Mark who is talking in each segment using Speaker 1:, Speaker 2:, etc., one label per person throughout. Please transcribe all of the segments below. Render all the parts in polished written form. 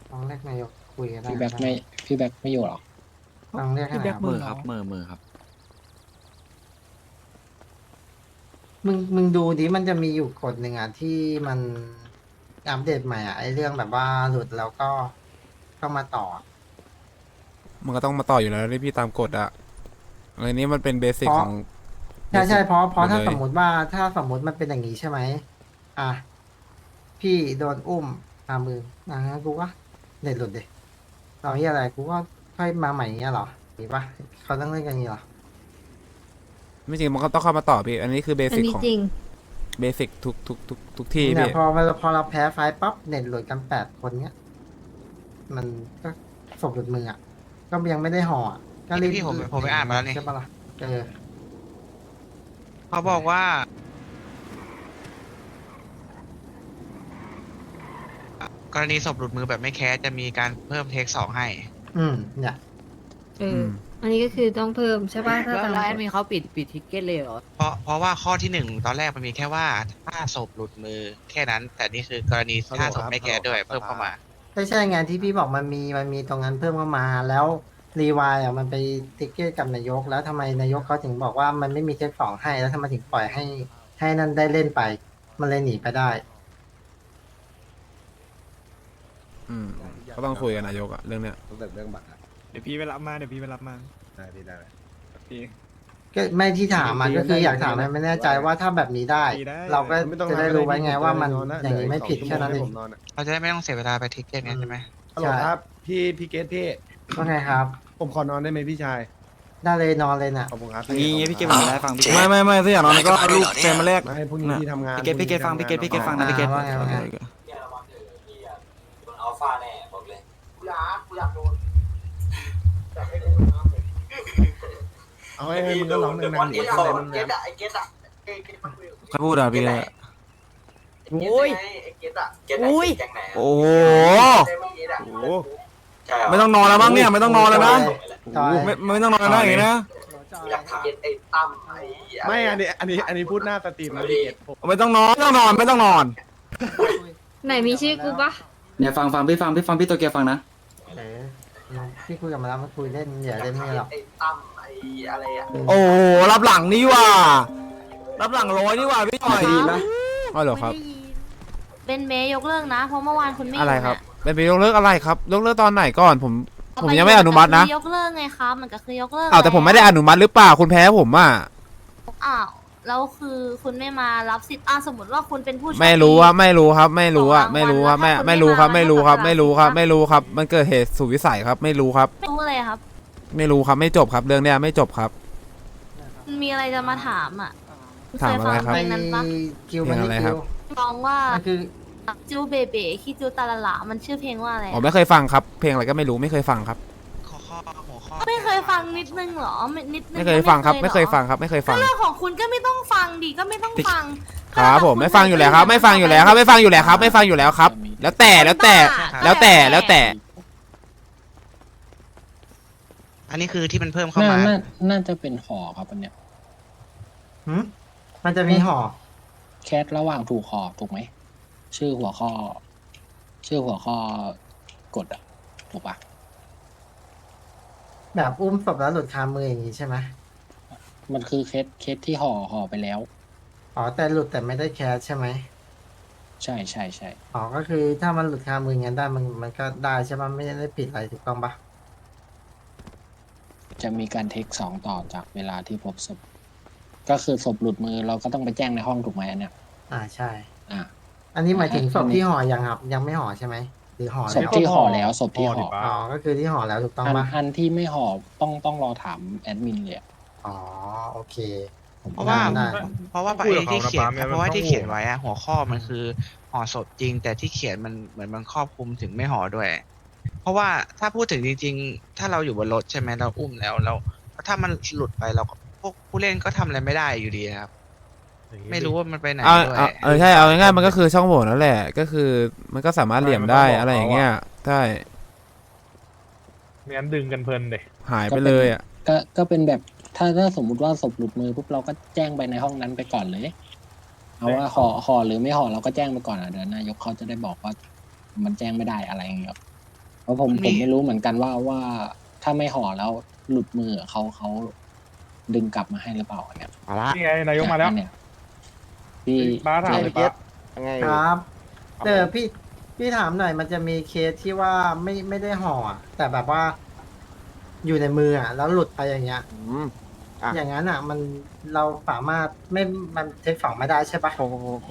Speaker 1: ลองเรียกนายกคุยกันได้
Speaker 2: พี่แบ็ค
Speaker 1: ใช่
Speaker 2: ไม่พี่แบ็คไม่อยู่หรอ
Speaker 1: ลองเรียกให้หน่อยครับ
Speaker 3: มือครับมือครับ
Speaker 1: มึงดูดิมันจะมีอยู่กฎหนึ่งอ่ะที่มันอัปเดตใหม่อ่ะไอเรื่องแบบว่าหลุดแล้วก็มาต่ออะ
Speaker 4: มันก็ต้องมาต่ออยู่แล้วที่พี่ตามกฎอะอะไรนี้มันเป็นเบสิก
Speaker 1: เพราะ
Speaker 4: ของ
Speaker 1: ใช่ใช่
Speaker 4: basic
Speaker 1: เพราะถ้า
Speaker 4: หดเลย
Speaker 1: สมมติว่าถ้าสมมติมันเป็นอย่างนี้ใช่ไหมอ่ะพี่โดนอุ้มมืองั้นกูก็เด็ดหลุดดิเราเฮียอะไรกูก็ค่อยมาใหม่เงี้ยเหรอมีปะเขาต้องเล่นกันอย่างนี้เหรอ
Speaker 4: ไม่จริงมันก็ต้องเข้ามาต่อพี่ อันนี้คือเบ
Speaker 5: อัน
Speaker 4: สิก
Speaker 5: นี้
Speaker 4: ของ
Speaker 5: จริง
Speaker 4: เบสิกทุกที่
Speaker 1: เนี่ย
Speaker 4: พี่
Speaker 1: พอเราแพ้ไฟล์ปั๊บเน็ตหลุดกัน8 คนเนี้ยมันก็ศพหลุดมืออ่ะก็ยังไม่ได้ห่ออะก็รีบ
Speaker 6: พี่ผมไปอ่านมาแล้วนี่
Speaker 1: ใช่ปะล่ะอ
Speaker 6: เขาบอกว่า กรณีศพหลุดมือแบบไม่แคสจะมีการเพิ่มเทค2ให้
Speaker 1: เนี่ย
Speaker 5: เออ อันนี้ก็คือต้องเพิ่มใช่ป่ะถ้า
Speaker 3: แล้ว
Speaker 5: ตาม
Speaker 3: แล้วแอด
Speaker 5: กฎ
Speaker 3: มินเขาปิดทิกเก็ตเลยเหรอ
Speaker 6: เพราะว่าข้อที่1ตอนแรกมันมีแค่ว่าถ้าศพหลุดมือแค่นั้น แต่นี่คือกรณีถ้าศพไม่แคสด้วยเพิ่มเข้ามา
Speaker 1: ใช่ไงที่พี่บอกมันมีตรงนั้นเพิ่มเข้ามาแล้วรีวายอ่ะมันไปติ๊กเก็ตกับนายกแล้วทำไมนายกเขาถึงบอกว่ามันไม่มีเทคสองให้แล้วทำไมถึงปล่อยให้นั่นได้เล่นไป มันเลยหนีไปได้
Speaker 4: อืมก็ต้องคุยกับนายกอะเรื่องเนี้ย
Speaker 7: ตั้งแต่เรื่องบัตรอะ
Speaker 8: เดี๋ยวพี่ไปรับมาเดี๋ยวพี่ไปรับมา
Speaker 7: ได้พี่ได้เลย
Speaker 8: พี่
Speaker 1: ก็ไม่ที่ถามมันก็คืออยากถามไม่แน่ใจว่าถ้าแบบนี้ได้ เราก็จะได้รู้ไว้ไงว่ามันอย่างนี้ไม่ผิดแค่นั้นเอง
Speaker 6: เราจะได้ไม่ต้องเสียเวลาไปทิกเก็ตไงใช่ไหม
Speaker 7: ฮัลโหลครับพี่เกตพี่
Speaker 1: ว่าไงครับ
Speaker 7: ผมขอนอนได้ไหมพี่ชาย
Speaker 1: ได้เลยนอนเลยน่ะ
Speaker 7: ขอบคุณครับ
Speaker 8: งี้พี่เก็บมาได้ฟังพี่
Speaker 9: ไม่ถ้าอย่างนั้นก็เอาลูกแฟนมาแลก
Speaker 7: ไม่ให้พรุ่งนี้พี่ทำงาน
Speaker 8: พี่เกตฟังพี่เกตฟังนะพี่เกต
Speaker 1: ว่าไงว่าไง
Speaker 9: อัลฟาแน่บอกเลย
Speaker 7: เอาให้มึงก็ร้องดังๆดิอะไรมึงเนี่ย
Speaker 9: ใครพูดอ่ะพี่
Speaker 3: อุ้ยอุ้ย
Speaker 9: โอ้โหไม่ต้องนอนแล้วมั้งเนี่ยไม่ต้องนอนแล้วนะ
Speaker 1: ต่อย
Speaker 9: ไม่ต้องนอนแล้วนะอย่างนี้นะ
Speaker 7: ไม่อันนี้พูดหน้าสตรีมนะพี่เกตผม
Speaker 9: ไม่ต้องนอนไม่ต้องนอน
Speaker 5: ไหนมีชื่อกูปะ
Speaker 8: เนี่ยฟังพี่ตัวเกียร์ฟังนะ
Speaker 1: เออพี่คุยกับมันแล้วมันคุยเล่นอย่าเล่นนี่หรอก
Speaker 9: โอ้โหรับหลังนี่ว่ะรับหลังร้อยนี่ว่ะพี่หน่อย
Speaker 4: อ๋อเหรอครับ
Speaker 5: เป็นเมย์ยกเลิกนะ เพราะเมื่อวานคุณไม่
Speaker 4: อะไรครับเป็นไปยกเลิกอะไรครับยกเลิกตอนไหนก่อนผมยังไม่อนุมัตินะ
Speaker 5: ยกเลิกไงครับมันก็คือยกเลิก
Speaker 4: อ้าวแต่ผมไม่ได้อนุมัติหรือเปล่าคุณแพ้ผมอ่ะ
Speaker 5: อ้าวแล้วคือคุณไม่มารับสิทธิ์สมมติว่าคุณเป็นผู้โชคดี
Speaker 4: ไม่รู้ครับไม่รู้ครับไม่รู้อะไม่รู้ครับไม่รู้ครับไม่รู้ครับไม่รู้ครับไม่รู้ครับมันเกิดเหตุสุดวิสัยครับไม่รู้ครับ
Speaker 5: ไม่รู้เลยครับ
Speaker 4: ไม่รู้ครับไม่จบครับเรื่องเนี้ยไม่จบครับ
Speaker 5: มันมีอะไรจะมาถามอ่ะ
Speaker 4: ถามอะไรครับ
Speaker 5: เคยฟังเพลงนั้นปะ
Speaker 1: คิวมัน
Speaker 4: เพลงอะไร
Speaker 1: นี่
Speaker 4: ครั
Speaker 1: คิ
Speaker 4: บ
Speaker 1: ว
Speaker 5: ร้องว่า
Speaker 1: มันคือ
Speaker 5: จูเบเบคิจูตาละละมันชื่อเพลงว่าอะไร
Speaker 4: อ๋อ
Speaker 5: อะ
Speaker 4: ไม่เคยฟังครับเพลงอะไรก็ไม่รู้ไม่เคยฟังครับ
Speaker 6: หัวข้อ
Speaker 5: ไม่เคยฟังนิดนึงเหรอนิดนึง
Speaker 4: ไม่เคยฟังครับ
Speaker 5: หอ
Speaker 4: ไม่เคยฟังครับ ไม่เคยฟัง
Speaker 5: เรื่องของคุณก็ไม่ต้องฟังดิก็ไม่ต้องฟัง
Speaker 4: ครับผมไม่ฟังอยู่แล้วครับ ไม่ฟังอยู่แล้วครับไม่ฟังอยู่แล้วครับไม่ฟังอยู่แล้วครับ แล้วแต่แล้วแต่แล้วแต่
Speaker 6: อันนี้คือที่มันเพิ่มเข้ามา
Speaker 2: น่าจะเป็นห่อครับอันเนี้ย
Speaker 1: มันจะมีห่อ
Speaker 2: แคสระหว่างถูกห่อถูกไหมชื่อหัวข้อกดอะถูกปะ
Speaker 1: แบบอุ้มศพแล้วหลุดคามืออย่างนี้ใช่ไหม
Speaker 2: มันคือเคสที่ห่อไปแล้ว
Speaker 1: อ๋อแต่หลุดแต่ไม่ได้แคสใช่ไหม
Speaker 2: ใช่
Speaker 1: อ๋อก็คือถ้ามันหลุดคามืออย่างนั้นได้มันก็ได้ใช่ไหมไม่ได้ผิดอะไรถูกต้องปะ
Speaker 2: จะมีการเทคสองต่อจากเวลาที่พบศพก็คือศพหลุดมือเราก็ต้องไปแจ้งในห้องถูกไหมอันเนี้ย
Speaker 1: ใช่
Speaker 2: อ่า
Speaker 1: อันนี้หมายถึงศพที่ห่อยังครับ ยังไม่ห่อใช่ไหมหรือห่อ
Speaker 2: ศพ
Speaker 1: แล้ว
Speaker 2: ที่ห่อแล้วศพที่ห่อ
Speaker 1: อ๋อก็คือที่ห่อแล้วถูกต้องปะ
Speaker 2: อันที่ไม่ห่อต้องรอถามแอดมินเลยอะ
Speaker 1: อ๋อโอเค
Speaker 6: เพราะว่า
Speaker 1: ได้
Speaker 6: เพราะว่าไอ้ที่เขียนเพราะว่าที่เขียนไว้อะหัวข้อมันคือห่อศพจริง แต่ที่เขียนมันเหมือนมันครอบคลุมถึงไม่ห่อด้วย เพราะว่าถ้าพูดถึงจริงๆ ถ้าเราอยู่บนรถใช่ไหมเราอุ้มแล้วถ้ามันหลุดไปเราก็พวกผู้เล่นก็ทำอะไรไม่ได้อยู่ดีครับ ไม่รู้ว่ามันไปไหน
Speaker 4: เอา
Speaker 6: ด้วย
Speaker 4: เอาใช่เอาง่ายๆมันก็คือช่องโหว่นั่นแหละก็คือมันก็สามารถเหลี่ยมได้อะไรอย่างเงี้ยใช่
Speaker 8: ไม่งั้นดึงกันเพลินเลย
Speaker 4: หายไปเลยอ่ะ
Speaker 2: ก็เป็นแบบถ้าสมมุติว่าศพหลุดมือปุ๊บเราก็แจ้งไปในห้องนั้นไปก่อนเลยเอาว่าห่อหรือไม่ห่อเราก็แจ้งไปก่อนอ่ะเดี๋ยวนายกเขาจะได้บอกว่ามันแจ้งไม่ได้อะไรอย่างเงี้ยเพราะผมไม่รู้เหมือนกันว่าถ้าไม่ห่อแล้วหลุดมือเขาดึงกลับมาให้หรือเปล่าเนี่ย
Speaker 7: เอาละ
Speaker 8: นี่ไงนายกมาแล้ว
Speaker 2: เนี่ยพี่
Speaker 8: บ้าถาม
Speaker 7: ไอ้
Speaker 8: เลย
Speaker 7: เก
Speaker 8: ป้า
Speaker 7: ตยังไง
Speaker 1: ครับพี่ถามหน่อยมันจะมีเคสที่ว่าไม่ได้ห่ออะแต่แบบว่า อยู่ในมืออ่ะแล้วหลุดไปอย่างเงี้ย
Speaker 7: อ่ะ
Speaker 1: อย่างนั้นอ่ะ มันเราสามารถมันเทคสองไม่ได้ใช่ปะ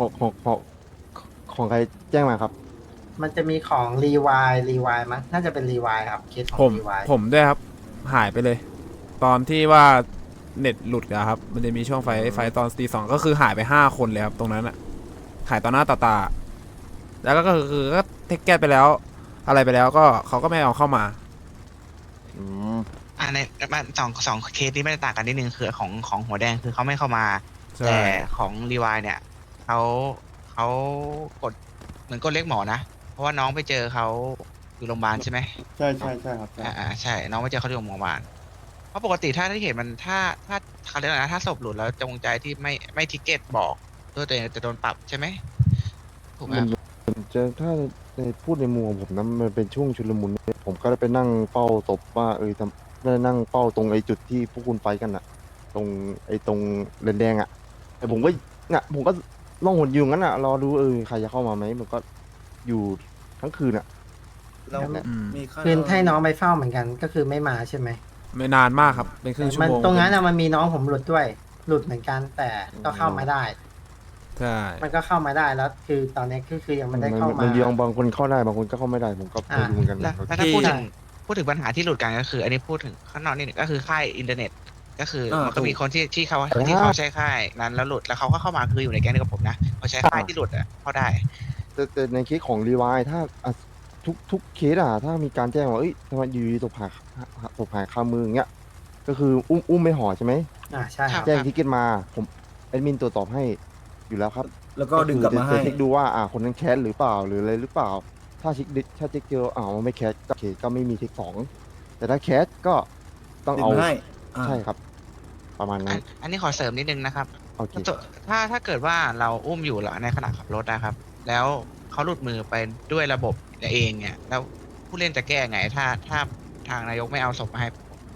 Speaker 7: ของใครแจ้งมาครับ
Speaker 1: มันจะมีของรีวายมั้งน่าจะเป็นรีวายครับเคสของ
Speaker 4: ผม
Speaker 1: รีวาย
Speaker 4: ผมด้วยครับ หายไปเลย ตอนที่ว่าเน็ตหลุดอะครับ มันจะมีช่วงไฟตอนตี 2ก็คือหายไป5 คนเลยครับ ตรงนั้นอะหายต่อหน้าต่อตา แล้วก็คือก็เทคแก้ไปแล้ว อะไรไปแล้วก็เขาก็ไม่เอาเข้ามา
Speaker 7: อืม
Speaker 6: ในมันสองเคสนี้ไม่ได้ต่างกันนิดนึงคือของหัวแดงคือเขาไม่เข้ามา
Speaker 4: ใช่
Speaker 6: แต่ของรีวายเนี่ยเขากดเหมือนกดเรียกหมอนะเพราะว่าน้องไปเจอเขาอยู่โรงพยาบาลใช่ไหม
Speaker 7: ใช่ครับ
Speaker 6: ใช่น้องไปเจอเขาที่โรงพยาบาลเพราะปกติถ้าที่เห็นมันถ้าเขาเรียกอะไรนะถ้าศพหลุดแล้วจงใจที่ไม่ทิกเก็ตบอกด้วยตัวเองจะโดนปรับใช่ไหมถูกไหมครับ
Speaker 7: จะถ้าในพูดในมุมของผมนะมันเป็นช่วงชุลมุนผมก็ได้ไปนั่งเฝ้าศพว่าได้นั่งเฝ้าตรงไอ้จุดที่พวกคุณไฟกันอะตรงตรงแดงๆอะแต่ผมก็ผมก็ล่องหนอยู่งั้นอะรอดูใครจะเข้ามาไหมมันก็อยู่ทั้งคืนอะ
Speaker 9: เรา
Speaker 4: อืม
Speaker 9: มีค่า
Speaker 1: คืนให้น้องไปเฝ้าเหมือนกันก็คือไม่มาใช่ไหม
Speaker 4: ไม่นานมากครับ เป็นครึ่งชั่ว
Speaker 1: มัน
Speaker 4: โมง
Speaker 1: ตรงนั้นอะมันมีน้องผมหลุดด้วย หลุดเหมือนกันแต่ก็เข้ามาได้
Speaker 4: ใช่
Speaker 1: มันก็เข้ามาได้แล้ว คือตอนนี้คือยังไม่ได้เข้ามา
Speaker 7: มันยองบางคนเข้าได้บางคนก็เข้าไม่ได้ผมก็ไม่รู้เหมือนกัน
Speaker 6: แล้วถ้าพูดถึงปัญหาที่หลุดกันก็คือ อันนี้พูดถึงข้างนอกนี่ก็คือค่ายอินเทอร์เน็ต ก็คือมันก็มีคนที่เขาใช้ค่ายนั้นแล้วหลุดแล้วเขาก็เข้ามาคืออยู่ในแก๊งเดียวกับผมนะเขาใช้ค่ายที่หลุดอ่ะเข้าได้
Speaker 7: แต่ในเคสของรีวายถ้าทุกเคสอะถ้ามีการแจ้งว่าทำไมอยู่ดีตกหายคามืออย่างเงี้ยก็คืออุ้มไม่ห่อใช่ไหม
Speaker 1: ใช่ครับ
Speaker 7: แจ้งทิกเก็ตมาผมแอดมินตรวจสอบให้อยู่แล้วครับ
Speaker 9: แล้วก็ดึงกลับมาให้
Speaker 7: จะเช็คดูว่าคนนั้นแคสหรือเปล่าหรืออะไรหรือเปล่า ถ้าเช็คเจอมันไม่แคสก็โอเคก็ไม่มีเทค2แต่ถ้าแคสก็ต้อง
Speaker 9: ดึง
Speaker 7: เอา
Speaker 9: มาให้
Speaker 7: ใช่ครับ ประมาณนั้น
Speaker 6: อันนี้ขอเสริมนิดนึงนะครับ
Speaker 7: โอเค
Speaker 6: ถ้าเกิดว่าเราอุ้มอยู่แล้วในขณะขับรถนะครับ แล้วเขาหลุดมือไปด้วยระบบเองเนี่ย แล้วผู้เล่นจะแก้ไง ถ้าทางนายกไม่เอาศพมาให้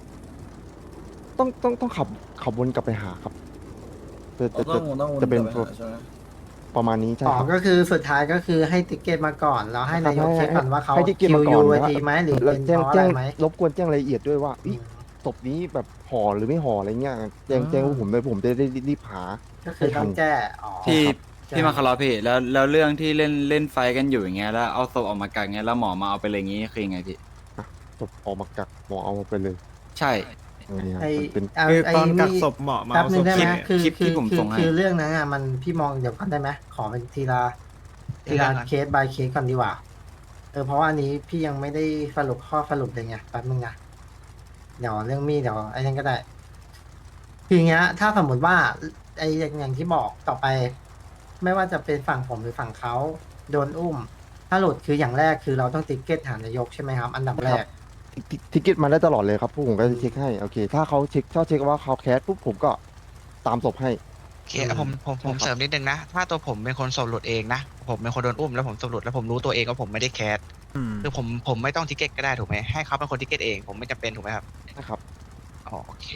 Speaker 7: ต้องขับวนกลับไปหาครับจะ
Speaker 9: ต้อง
Speaker 7: จะเป็น
Speaker 9: กลับไปหาใช่ไหม
Speaker 7: ประมาณนี้ใช่
Speaker 1: อ๋อ
Speaker 7: ครับ
Speaker 1: ก็คือสุดท้ายก็คือให้ติกเก็ตมาก่อน แล้วให้นายกเช็คก่อนว่าเขา
Speaker 7: ให้ทิกเก็ต
Speaker 1: คิ
Speaker 7: มาว ก่
Speaker 1: ยู
Speaker 7: อน
Speaker 1: ไอ
Speaker 7: นะ
Speaker 1: ทีไหมหรือ
Speaker 7: แล้ว
Speaker 1: เป็น
Speaker 7: แจ้ง
Speaker 1: เพราะอะไรไหม
Speaker 7: รบกวนแจ้งรายละเอียดด้วยว่าศพนี้แบบห่อหรือไม่ห่ออะไรเงี้ยแจ้งพวกผมเลยผมจะได้รีบหา
Speaker 1: ก็คือต้องแก้อ๋อ
Speaker 8: พี่
Speaker 1: ใช่
Speaker 8: พี่มาคารอพี่แล้วเรื่องที่เล่นไฟกันอยู่อย่างเงี้ยแล้วเอาศพออกมากักเงี้ยแล้วหมอมาเอาไปเลยงี้คือยังไงพี่
Speaker 7: ศพออกมากักหมอเอาไปเลย
Speaker 8: ใช่
Speaker 7: อย่างเงี้ย
Speaker 1: ไอ
Speaker 7: เป็น
Speaker 9: คือตอนกัก
Speaker 1: นี่
Speaker 9: ศพเหมาะมา
Speaker 1: แป๊บ
Speaker 9: เอา
Speaker 1: นึ
Speaker 9: ศ
Speaker 1: ง
Speaker 9: พ
Speaker 1: ได้ไหม
Speaker 8: คลิปที่ผมส่งให้
Speaker 1: คือเรื่องนั้นอ่ะมันพี่มองเดี๋ยวก่อนได้ไหมขอเป็นทีละเคส by เคสก่อนดีกว่าเพราะว่าอันนี้พี่ยังไม่ได้สรุปข้อสรุปเลยไงแป๊บนึงนะเดี๋ยวเรื่องมีดเดี๋ยวไอ้นั่นก็ได้คืออย่างเงี้ย ถ้าสมมติว่าไอ้อย่างที่บอกต่อไป ไม่ว่าจะเป็นฝั่งผมหรือฝั่งเขาโดนอุ้ม ถ้าหลุดคืออย่างแรกคือเราต้องติ๊กเก็ตหานายกใช่ไหมครับ อันดับแรก
Speaker 7: ทิกเก็ตมาได้ตลอดเลยครับพวกผมก็จะเช็คให้โอเค ถ้าเช็คว่าเขาแคสปุ๊บผมก็ตามศพให้
Speaker 6: โอเคผมเสริมนิดนึงนะ ถ้าตัวผมเป็นคนศพหลุดเองนะ ผมเป็นคนโดนอุ้มแล้วผมศพหลุดแล้วผมรู้ตัวเองว่าผมไม่ได้แคส
Speaker 4: อืม
Speaker 6: คือผมไม่ต้องทิกเก็ตก็ได้ถูกไหมให้เขาเป็นคนทิกเก็ตเองผมไม่จำเป็นถูกไหมครับ
Speaker 7: นะครับ
Speaker 6: อ๋อโอเค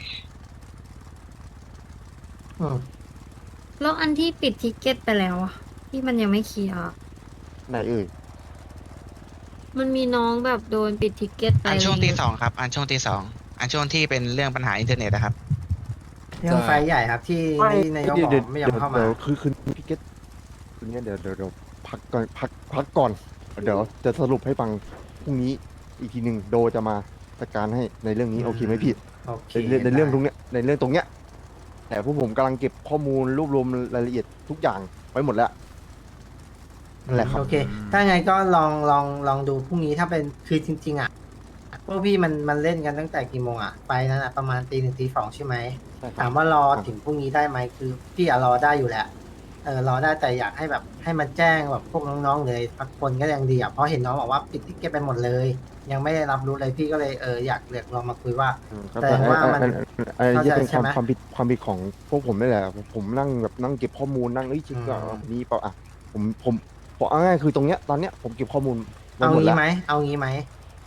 Speaker 1: อืม
Speaker 5: แล้วอันที่ปิดทิกเก็ตไปแล้วอะที่มันยังไม่เคลียร์อะ
Speaker 7: ไหนเอ่ย
Speaker 5: มันมีน้องแบบโดนปิดทิกเก็ตไป
Speaker 6: อันช่วง
Speaker 5: อะไร
Speaker 6: ตี
Speaker 5: เงี้ย
Speaker 6: สองครับ อันช่วงตีสองอันช่วงที่เป็นเรื่องปัญหาอินเทอร์เน็ตนะครับ
Speaker 1: เรื่องไฟใหญ่ครับที่นายกบอกไม่ยอมเข้ามา
Speaker 7: เดี๋ยวคือทิกเก็ตคืนนี้เดี๋ยวพักก่อนพักก่อนเดี๋ยวจะสรุปให้ฟังพรุ่งนี้อีกทีหนึ่งโดจะมาจัดการให้ในเรื่องนี้โอเคไหมพี่
Speaker 1: โอเค
Speaker 7: ในเรื่องตรงเนี้ยในเรื่องตรงเนี้ยแต่พวกผมกำลังเก็บข้อมูลรวบรวมรายละเอียดทุกอย่างไว้หมดแล้วนั่นแหละครับ
Speaker 1: โอเค ถ้าไงก็ลองดูพรุ่งนี้ถ้าเป็นคือจริงๆอ่ะพวกพี่มันเล่นกันตั้งแต่กี่โมงอ่ะไปนั้นอ่ะประมาณตี 1 ตี 2ใช่ไหม
Speaker 7: ใช่ครับ
Speaker 1: ถามว่ารอถึงพรุ่งนี้ได้ไหมคือพี่อะรอได้อยู่แหละรอได้แต่อยากให้แบบให้มันแจ้งแบบพวกน้องๆเลยพักคนก็ยังดีอ่ะเพราะเห็นน้องบอกว่าปิดติ๊กเก็ตไปหมดเลย ยังไม่ได้รับรู้เลยพี่ก็เลยอยากลองมาคุยว่า
Speaker 7: ครับ
Speaker 1: แสดงว่ามัน
Speaker 7: อันนี้เป็น
Speaker 1: เข้าใจใช่ไหม
Speaker 7: ความผิดของพวกผมนี่แหละผมนั่งเก็บข้อมูลนั่งเช็คว่า
Speaker 1: อืม
Speaker 7: นี่เปล่าอ่ะผมเอาง่ายๆคือตรงเนี้ยตอนเนี้ยผมเก็บข้อมูลไว้
Speaker 1: เอา
Speaker 7: หมด
Speaker 1: งี้
Speaker 7: แล้ว
Speaker 1: ไหมเอางี้ไหม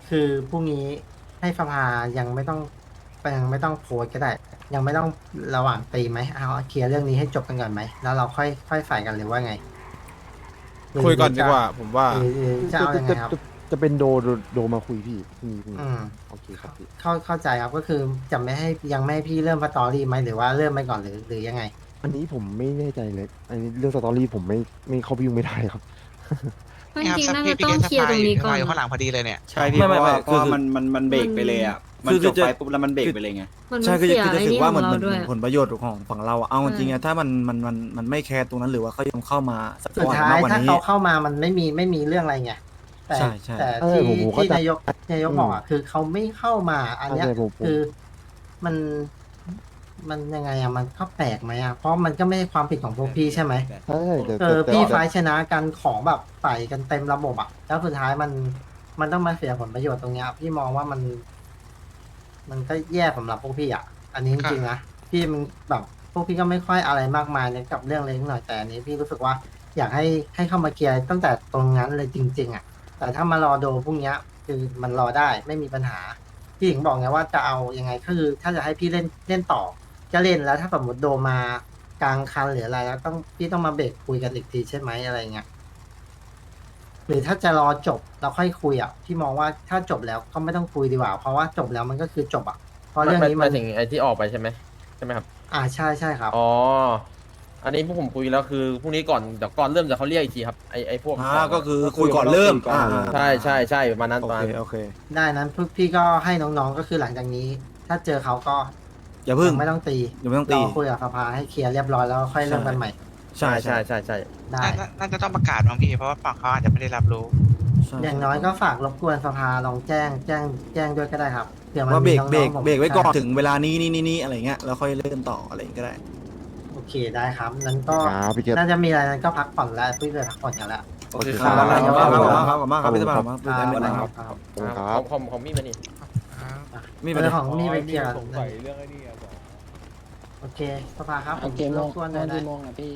Speaker 1: คือพรุ่งนี้ให้สภายังไม่ต้องโพสต์ก็ได้ ยังไม่ต้องระหว่างตีไหมเอาเคลียร์เรื่องนี้ให้จบกันก่อนไหมแล้วเราค่อยใส่กันหรือว่าไงหรื
Speaker 4: คุยก่อนดีกว่า ผมว่า
Speaker 1: หรือจะเอายังไงครับ
Speaker 7: จะเป็นโดมาคุยพี่พรุ่งนี้
Speaker 1: อืม
Speaker 7: โอเคครับพี่
Speaker 1: เข้าใจครับก็คือจะไม่ให้ยังไม่ให้พี่เริ่มสตอรี่ไหมหรือว่าเริ่มไปก่อนหรือยังไง
Speaker 7: อันนี้ผมไม่แน่ใจเลยอันนี้เรื่องสตอรี่ผมไม่เข้าไปยุ่งไม่ได้ครับ
Speaker 5: จริงๆน่าจะต้องเคลียร์ตรงนี้ก่อน
Speaker 6: อยู่ข้างหลั
Speaker 5: นะ
Speaker 6: งพอดีเลยเนี่ย
Speaker 8: ใช่พี่ เพราะ
Speaker 9: ไม่ไม่
Speaker 8: ว่า
Speaker 9: ไม่
Speaker 8: เพราะว่า
Speaker 9: คือ
Speaker 8: มันเบรกไปเลยอ่ะ มัน
Speaker 9: คือ
Speaker 8: จบ
Speaker 9: จะ
Speaker 8: ไปปุ๊บแล้วมันเบรกไปเลยไง
Speaker 5: มัน
Speaker 9: ใช่คือ
Speaker 5: เสี
Speaker 9: จะ
Speaker 5: ย
Speaker 9: คือจะ
Speaker 5: ไอ้
Speaker 9: ถือ
Speaker 5: นี่ข
Speaker 9: ว่า
Speaker 5: อง
Speaker 9: มัน
Speaker 5: เรา
Speaker 9: มัน
Speaker 5: ด้วย
Speaker 9: ผลประโยชน์ของฝั่งเราอะเอาจริงๆอะถ้ามันไม่แคร์ตรงนั้นหรือว่าเขายังเข้ามาสัก
Speaker 1: สุด
Speaker 9: ก่อน
Speaker 1: ท้าม
Speaker 9: าย กกว่า
Speaker 1: ถ้า
Speaker 9: นี้
Speaker 1: เขาเข้ามามันไม่มีเรื่องอะไรไงแต่
Speaker 9: ใช่ใช่
Speaker 1: แต่
Speaker 7: เออ
Speaker 1: ที่
Speaker 7: ผมเข้า
Speaker 1: ที่
Speaker 7: ใจ
Speaker 1: นายกบอกอ่ะคือเขาไม่เข้ามาอันเนี้ย
Speaker 7: ใช่ผม
Speaker 1: คือมันมันยังไงอ่ะมันก็แปลกไหมอ่ะเพราะมันก็ไม่ใช่ความผิดของพวกพี่ใช่ไหม
Speaker 7: ใช่แต่
Speaker 1: พี่
Speaker 7: แต่
Speaker 1: ไฟท์ชนะกันของแบบใส่กันเต็มระบบอ่ะแล้วสุดท้ายมันต้องมาเสียผลประโยชน์ตรงเนี้ยพี่มองว่ามันก็แย่สำหรับพวกพี่อ่ะอันนี้จริงๆนะพี่มันแบบพวกพี่ก็ไม่ค่อยอะไรมากมายในกับเรื่องเล็กหน่อยแต่อันนี้พี่รู้สึกว่าอยากให้เข้ามาเคลียร์ตั้งแต่ตรงนั้นเลยจริงๆอ่ะแต่ถ้ามารอโดพวกเนี้ยคือมันรอได้ไม่มีปัญหาพี่ถึงบอกไงว่าจะเอายังไงคือถ้าจะให้พี่เล่นต่อจะเล่นแล้วถ้าสมมติโดมากลางคันหรืออะไรแล้วพี่ต้องมาเบรกคุยกันอีกทีใช่ไหมอะไรเงี้ยหรือถ้าจะรอจบเราค่อยคุยอ่ะพี่มองว่าถ้าจบแล้วก็ไม่ต้องคุยดีกว่า เพราะว่าจบแล้วมันก็คือจบอ่ะเพราะเรื่องนี้
Speaker 10: ห
Speaker 1: มั
Speaker 10: มาน ยถึงไอ้ที่ออกไปใช่ไหมครับ
Speaker 1: ใช่ครับ
Speaker 10: อ๋อ อันนี้พวกผมคุยแล้วคือพรุ่งนี้ก่อนเดี๋ยวก่อนเริ่มจะเขาเรียกอีกทีครับไอ้พวก
Speaker 9: ก็คือคุยก่อนเริ่ม
Speaker 10: ใช่ประมาณนั้น
Speaker 9: โอ
Speaker 10: ประมา
Speaker 9: เค
Speaker 10: ณ
Speaker 9: โอเค
Speaker 1: ได้นั้นพวกพี่ก็ให้น้องๆก็คือหลังจากนี้ ถ้าเจอเขาก็
Speaker 9: อย่าเพิ่ง
Speaker 1: ยังไม่ต้องตี
Speaker 9: อย่าไม่ต้องตี
Speaker 1: รอคุยกับสภาให้เคลียร์เรียบร้อยแล้วค่อยเริ่มกันใหม่
Speaker 9: ใช่
Speaker 10: ใช่ใช่ใช่
Speaker 1: ได้
Speaker 6: น่าจะต้องประกาศบางพี่เพราะว่าฝั่งเขาอาจจะไม่ได้รับรู้
Speaker 9: ใช่
Speaker 1: อย่างน้อยก็ฝากรบกวนสภาลองแจ้งด้วยก็ได้ครับเผื่อมัน
Speaker 9: ว่าเบร
Speaker 1: มี
Speaker 9: ก
Speaker 1: น้อง
Speaker 9: เบรก
Speaker 1: ๆผม
Speaker 9: เบรกไว้ก่อน
Speaker 1: ใช่
Speaker 9: ถึงเวลานี้อะไรเงี้ยแล้วค่อยเริ่มต่ออะไรอย่างงี้ก็ได้
Speaker 1: โอเคได้ครับนั้นก็
Speaker 7: ครับพี่เกศ
Speaker 1: น่าจะมีอะไรนั้นก็พักผ่อนแล้วพี่เลยพักผ่อนกันแล้ว
Speaker 9: โอเคครับขอบคุณมากครับพี่สภาพครับ
Speaker 1: ครับ
Speaker 7: ครับ
Speaker 10: ของมีดมานี่
Speaker 9: มีปัญ
Speaker 1: เรื่อง
Speaker 9: หา
Speaker 1: ของมีไปเคลียร์
Speaker 10: สงสัยเรื่องไอ้นี่อะ
Speaker 1: โอเคสภาครับผ
Speaker 2: เอา
Speaker 1: ม
Speaker 2: กี่โม
Speaker 1: รง บกวนหน่
Speaker 2: เอา
Speaker 1: อยนะ
Speaker 2: กี่โมงอะพี่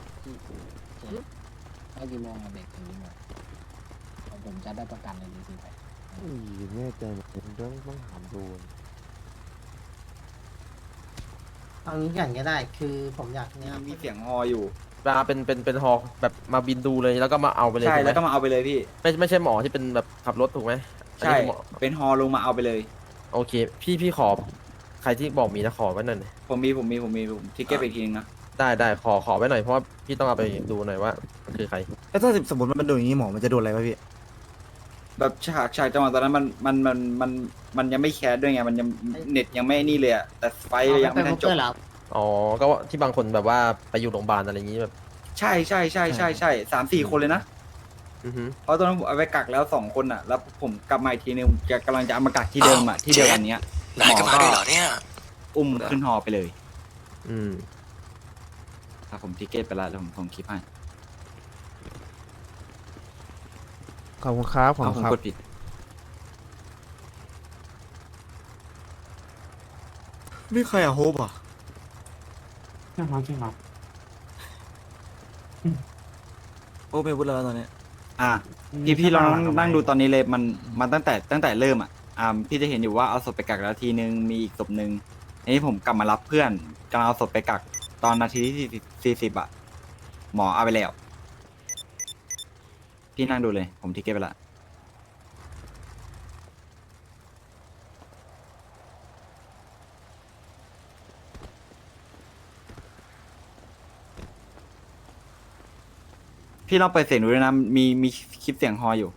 Speaker 2: เอากี่โมงอะเบรกถึงกี่โมงผมจะได้ประกันเลยดีๆไป
Speaker 7: แน่ใจต้องถามดู
Speaker 1: เอางี้กันก็ได้ คือผมอยากเนี่ย
Speaker 8: มีเสียงฮออยู่
Speaker 10: เวลาเป็นฮอแบบมาบินดูเลยแล้วก็มาเอาไปเลย
Speaker 8: ใช่
Speaker 10: ถูกไหม
Speaker 8: แล้วก็มาเอาไปเลยพี่
Speaker 10: ไม่ใช่หมอที่เป็นแบบขับรถถูกไหมอัน
Speaker 8: ใช่
Speaker 10: นี้คือหมอ
Speaker 8: เป็นฮอลงมาเอาไปเลย
Speaker 10: โอเค พี่ขอใครที่บอกมีนะขอไว้หน่อย
Speaker 8: ผมมีทิกเก็ตไปอีกทีนึงนะ
Speaker 10: ได้ขอไว้หน่อยเพราะว่าพี่ต้องเอาไปดูหน่อยว่ามันคือใคร
Speaker 9: แล้วถ้าสมมติมันโดนอย่างนี้หมอมันจะโดนอะไรวะพี่
Speaker 8: แบบฉากจังหวะตอนนั้นมันยังไม่แคสด้วยไงมันยังเน็ตยังไม่นี่เลยอะแต่ไฟล์ยังไม่ทันจบ
Speaker 10: อ๋อก็ที่บางคนแบบว่าไปอยู่โรงพยาบาลอะไรอย่างนี้แบบ
Speaker 8: ใช่3-4 คนเลยนะ
Speaker 10: อือฮึ
Speaker 8: เพราะตอนนั้นผมเอาไปกักแล้ว2 คนอ่ะ แล้วผมกลับมาอีกทีนึงกำลังจะเอามากักที่เดิมอ่ะที่เดียวกันเนี้ยหมอก็อุ้มขึ้นฮอไปเลย
Speaker 10: อืม
Speaker 8: ถ้าผมทิกเก็ตไปแล้วแล้วผมส่งคลิปให้
Speaker 4: ขอบคุณครับขอบ
Speaker 8: เอา
Speaker 4: คุ
Speaker 8: ผ
Speaker 4: ณ
Speaker 8: ม
Speaker 4: ครับ
Speaker 8: กดผิด
Speaker 9: ไม่ใครอะโฮปอ่ะโอ้ไม่พูดแล้วตอนเนี้ย
Speaker 8: อ่ะพี่ลองนั่งดูตอนนี้เลยมันตั้งแต่เริ่มอ่ะพี่จะเห็นอยู่ว่าเอาศพไปกักแล้วทีนึงมีอีกศพนึงอันนี้ผมกลับมารับเพื่อนกำลังเอาศพไปกักตอนนาทีที่40อ่ะหมอเอาไปแล้วพี่นั่งดูเลยผมทิกเก็ตไปละพี่ลองเปิดเสียงดูด้วยนะมีคลิปเสียงฮออยู่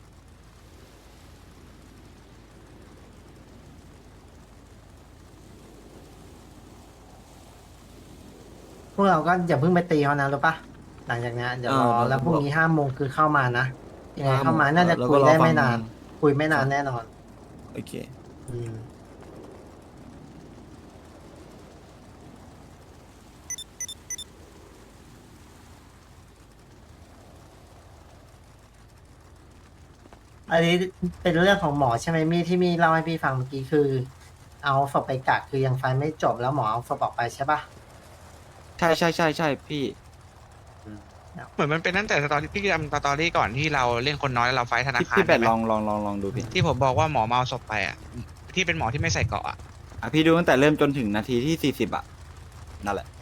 Speaker 1: พวกเราก็อย่าเพิ่งไปตีเขานะรู้ปะหลังจากเนี้ยเดี๋ยวรอแล้วพรุ่งนี้5 โมงคือเข้ามานะยังไงเข้ามาน่าจะคุยได้ไม่นาน คุยไม่นานแน่นอน
Speaker 9: โอเค
Speaker 1: อืมอันนี้เป็นเรื่องของหมอใช่ไหมที่มีเล่าให้พี่ฟังเมื่อกี้คือ เอาศพไปกักคือยังไฟไม่จบแล้วหมอเอาศพออกไปใช่ปะ
Speaker 8: ใช่พี่
Speaker 6: เหมือนมันเป็นตั้งแต่สตอรี่พี่จำสตอรี่ก่อนที่เราเล่นคนน้อยแล้วเราไฟท์ธนา
Speaker 8: พี่
Speaker 6: คาร
Speaker 8: พี่เป็ด
Speaker 6: ได้ไหม
Speaker 8: ลองดูพี่
Speaker 6: ที่ผมบอกว่าหมอเมาศพไปอ่ะที่เป็นหมอที่ไม่ใส่เกราะอะ
Speaker 8: อ่ะพี่ดูตั้งแต่เริ่มจนถึงนาทีที่40อ่ะนั่นแหละ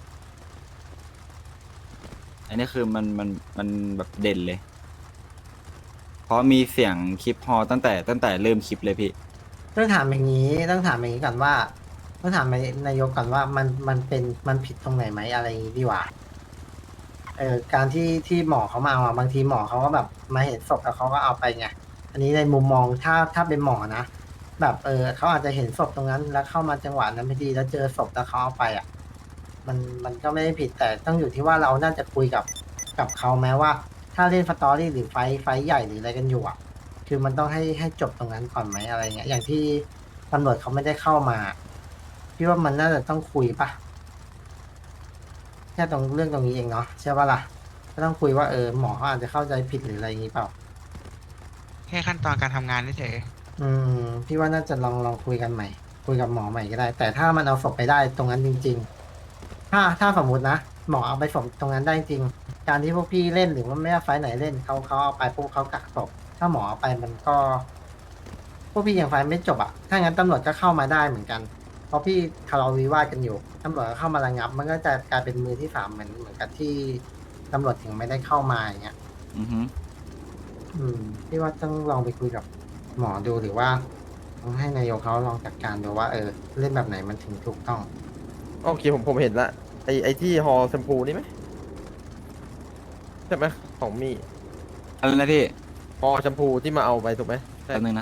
Speaker 8: อันนี้คือมันแบบเด่นเลย เพราะมีเสียงคลิปฮอตั้งแต่เริ่มคลิปเลยพี่
Speaker 1: ต้องถามอย่างนี้ก่อนว่าต้องถามนายกก่อนว่ามันผิดตรงไหนไหมอะไรอย่างนี้ดีกว่าการที่หมอเขามาเอาบางทีหมอเขาก็แบบมาเห็นศพแล้วเขาก็เอาไปไงอันนี้ในมุมมองถ้าเป็นหมอนะแบบเขาอาจจะเห็นศพตรงนั้น แล้วเข้ามาจังหวะนั้นพอดีแล้วเจอศพแล้วเขาเอาไปอ่ะมันก็ไม่ได้ผิดแต่ต้องอยู่ที่ว่าเราน่าจะคุยกับเขาแม้ว่า ถ้าเล่นสตอรี่หรือไฟท์ใหญ่หรืออะไรกันอยู่อ่ะ คือมันต้องให้จบตรงนั้นก่อนไหมอะไรเงี้ยอย่างที่ตำรวจเขาไม่ได้เข้ามาพี่ว่ามันน่าจะต้องคุยปะแค่ตรงเรื่องตรงนี้เองเนาะใช่ปะล่ะก็ต้องคุยว่าหมอเขาอาจจะเข้าใจผิดหรืออะไรอย่างนี้เปล่า
Speaker 6: แค่ขั้นตอนการทำงานเฉย
Speaker 1: พี่ว่าน่าจะลองคุยกันใหม่ คุยกับหมอใหม่ก็ได้ แต่ถ้ามันเอาศพไปได้ตรงนั้นจริง ๆ ถ้าสมมตินะหมอเอาไปศพตรงนั้นได้จริงการที่พวกพี่เล่นหรือว่าไม่ว่าไฟท์ไหนเล่นเขาเอาไปพวกเขากักศพถ้าหมอเอาไปมันก็ พวกพี่ยังไฟท์ไม่จบอ่ะถ้างั้นตำรวจก็เข้ามาได้เหมือนกัน เพราะพี่ทะเลาะวิวาทกันอยู่ตำรวจก็เข้ามาระงับ มันก็จะกลายเป็นมือที่สามเหมือนกับที่ตำรวจถึงไม่ได้เข้ามาอย่างเงี้ย
Speaker 8: อือฮึ
Speaker 1: พี่ว่าต้องลองไปคุยกับหมอดูหรือว่าต้องให้นายกเขาลองจัดการดูว่าเล่นแบบไหนมันถึงถูกต้อง
Speaker 10: โอเคผมเห็นละไอที่ฮอแชมพูนี่ไหมใช่ไหมของมี
Speaker 8: อะไรนะพี่
Speaker 10: ฮอแชมพูที่มาเอาไปถูกไหมใช่
Speaker 8: แป๊บนึงนะ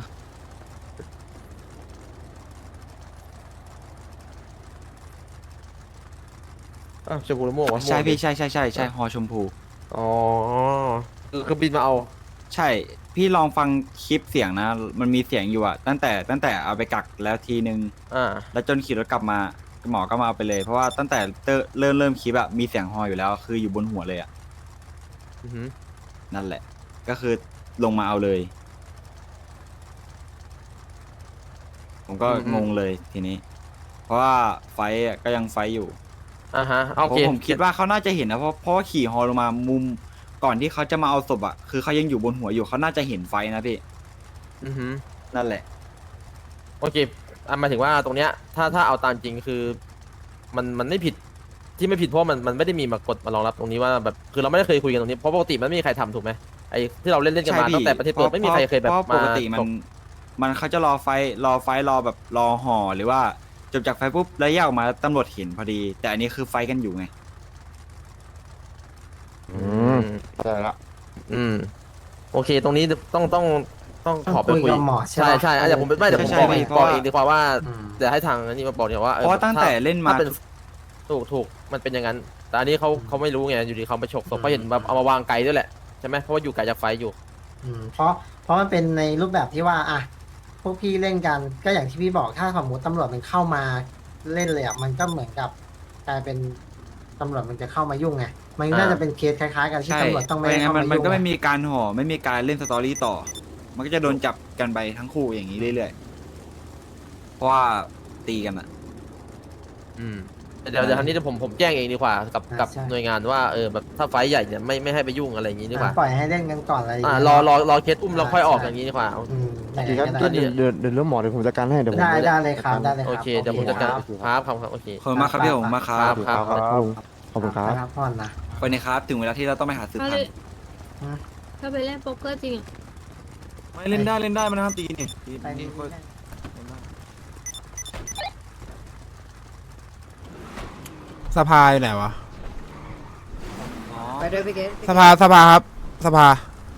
Speaker 10: อ้าวแชมพูแล้วม่วงวะ
Speaker 8: ใช่
Speaker 10: ม่วง
Speaker 8: พี่
Speaker 10: ดิ
Speaker 8: ใช่ฮอชมพู
Speaker 10: อ๋อคือบินมาเอา
Speaker 8: ใช่ พี่ลองฟังคลิปเสียงนะ มันมีเสียงอยู่อะตั้งแต่เอาไปกักแล้วทีนึง แล้วจนขี่รถกลับมาหมอก็มาเอาไปเลย เพราะว่าตั้งแต่เริ่มคลิปอะมีเสียงฮออยู่แล้ว คืออยู่บนหัวเลยอะ
Speaker 10: อือหือ
Speaker 8: นั่นแหละ ก็คือลงมาเอาเลย ผมก็งงเลยทีนี้ เพราะว่าไฟท์อะก็ยังไฟท์อยู่
Speaker 10: อ่าฮะโอเค
Speaker 8: ผมคิดว่าเขาน่าจะเห็นนะเพราะว่าขี่ฮอลงมามุมก่อนที่เขาจะมาเอาศพอะคือเขายังอยู่บนหัวอยู่เขาน่าจะเห็นไฟนะพี่
Speaker 10: อือหือ
Speaker 8: นั่นแหละ
Speaker 10: โอเคหมายถึงว่าตรงเนี้ยถ้าเอาตามจริงคือมันไม่ผิดที่ไม่ผิดเพราะมันไม่ได้มีมากฎมารองรับตรงนี้ว่าแบบคือเราไม่ได้เคยคุยกันตรงนี้เพราะปกติมันไม่มีใครทำถูกไหมไอ้ที่เราเล่นกันมา
Speaker 8: ใช่พี่
Speaker 10: ตั้งแต่ประเทศเปิดไม่มีใครเคยแบบ
Speaker 8: เพราะ
Speaker 10: มา
Speaker 8: ปกติมันเขาจะรอไฟรอแบบรอห่อหรือว่าจบจากไฟปุ๊บแล้วแยกออกมาตำรวจเห็นพอดี แต่อันนี้คือไฟกันอยู่ไง
Speaker 7: ได้ละ
Speaker 10: โอเค ตรงนี้ต้องขอไป
Speaker 1: คุ
Speaker 10: คุ
Speaker 1: ย
Speaker 10: ย
Speaker 1: กับหมอใช่ปะ
Speaker 10: ใช่เดี๋ยวผมไม่เดี๋ยวผม
Speaker 8: ใช่
Speaker 10: บอก
Speaker 8: ใช่
Speaker 10: เอง
Speaker 8: เพราะ
Speaker 10: บอก
Speaker 8: ว่า
Speaker 10: เองดีกว่าว่า
Speaker 1: อืม
Speaker 10: เดี๋ยวให้ทางนี้มาบอกเนี่ยว่า
Speaker 8: เพราะว่าตั้งแต่เล่นมา
Speaker 10: ถ้าเป็นถูกมันเป็นอย่างนั้น แต่อันนี้เขาไม่รู้ไงอยู่ดีเขาไปฉกศพเขาเห็นแบบเอามาวางไกลด้วยแหละใช่ไหมเพราะว่าอยู่ไกลจากไฟอยู่
Speaker 1: เพราะมันเป็นในรูปแบบที่ว่าพวกพี่เล่นกันก็อย่างที่พี่บอกถ้าสมมติตำรวจมันเข้ามาเล่นเลยอ่ะมันก็เหมือนกับกลายเป็นตำรวจมันจะเข้ามายุ่งไงมันน่าจะเป็นเคสคล้ายๆกันที่
Speaker 8: ใช่
Speaker 1: ตำรวจต้อง
Speaker 8: เพ
Speaker 1: ไม่
Speaker 8: ราะ
Speaker 1: ได้
Speaker 8: งั้
Speaker 1: เข้าน มา
Speaker 8: มัน
Speaker 1: ยุ่ง
Speaker 8: ก็ไม่
Speaker 1: อะ
Speaker 8: มีการห่อไม่มีการเล่นสตอรี่ต่อ มันก็จะโดนจับกันไปทั้งคู่อย่างนี้เรื่อยๆเพราะว่าตีกันอะ
Speaker 10: เดี๋ยวทางนี้ผมแจ้งเองดีกว่ากับหน่วยงานว่าแบบถ้าไฟท์ใหญ่เนี่ยไม่ให้ไปยุ่งอะไรอย่างนี้ดีกว่า
Speaker 1: ปล่อยให้เล่นกันก่อนอะไรอย่างเงี้ย
Speaker 10: รอเคสอุ้มแล้วค่อยออกอย่างนี้ดีกว่า
Speaker 1: ไหน
Speaker 7: ดี
Speaker 1: ๆ
Speaker 7: ครับ
Speaker 1: ก็
Speaker 7: เดี๋ยวเดี๋ยวเรื่องหมอเดี๋ยวผมจัดการให้เดี๋ยวผม
Speaker 1: ได้เลยครับได้เลยครับ
Speaker 10: โอเคเดี๋ยวผมจัดการ
Speaker 1: โอเค
Speaker 10: ครับโอเค
Speaker 8: ขอบคุณมากครับพี่ผมมากครับ
Speaker 10: ครับ
Speaker 7: ขอบคุณครับ
Speaker 1: ไปพักผ่อนนะ
Speaker 8: ไปนะครับถึงเวลาที่เราต้องไปหาสืบ
Speaker 5: ถ้า
Speaker 8: พัน
Speaker 5: เล่น
Speaker 8: ธุ์
Speaker 5: ถ้าไปเล่นโป๊กเกอร์จริงอะ
Speaker 9: ไม่เล่นได้มันนะครับตีนี่
Speaker 1: ไปนี่
Speaker 4: สภาอยู่ไหนวะ
Speaker 3: ไปด้วยพี่เกศ
Speaker 4: สภาครับสภา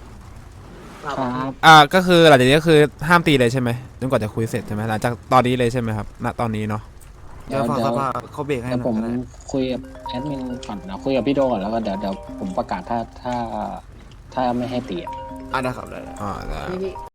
Speaker 2: ครับ
Speaker 4: ก็คือหลังจากนี้ก็คือห้ามตีเลยใช่ไหมจนกว่าจะคุยเสร็จใช่ไหมหลังจากตอนนี้เลยใช่ไหมครับณตอนนี้เนาะ
Speaker 9: เดี๋ยวฝากสภาเขาเบรกให้
Speaker 2: เดี๋ยว
Speaker 9: ห
Speaker 2: ผ
Speaker 9: น่อ
Speaker 2: ม
Speaker 9: ยก็ได้
Speaker 2: คุยกับแอดมินก่อนนะคุยกับพี่โดก่อนแล้วก็เดี๋ยวผมประกาศถ้าไม่ให้ตีอะ
Speaker 9: ได้ครับได้
Speaker 4: ได้
Speaker 3: พี่